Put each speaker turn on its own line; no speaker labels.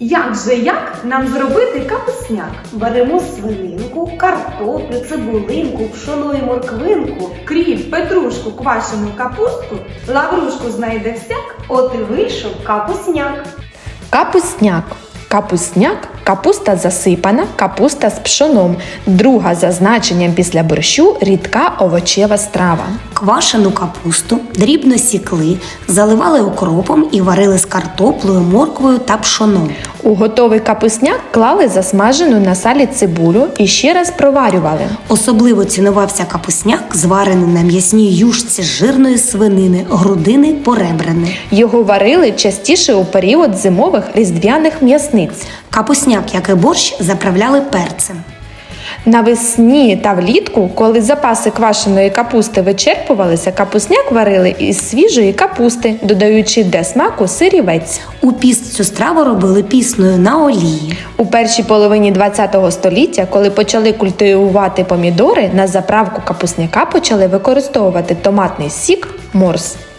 Як нам зробити капусняк?
Беремо свининку, картоплю, цибулинку, пшоно і морквинку.
Кріп, петрушку, квашену капустку, лаврушку знайде всяк.
От і вийшов капусняк.
Капусняк. Капусняк – капуста засипана, капуста з пшоном. Друга за значенням після борщу – рідка овочева страва.
Квашену капусту дрібно сікли, заливали окропом і варили з картоплею, морквою та пшоном.
У готовий капусняк клали засмажену на салі цибулю і ще раз проварювали.
Особливо цінувався капусняк, зварений на м'ясній юшці з жирної свинини, грудини, поребрини.
Його варили частіше у період зимових різдвяних м'ясниць.
Капусняк, як і борщ, заправляли перцем.
Навесні та влітку, коли запаси квашеної капусти вичерпувалися, капусняк варили із свіжої капусти, додаючи для смаку сирівець.
У піст цю страву робили пісною на олії.
У першій половині ХХ століття, коли почали культивувати помідори, на заправку капусняка почали використовувати томатний сік морс.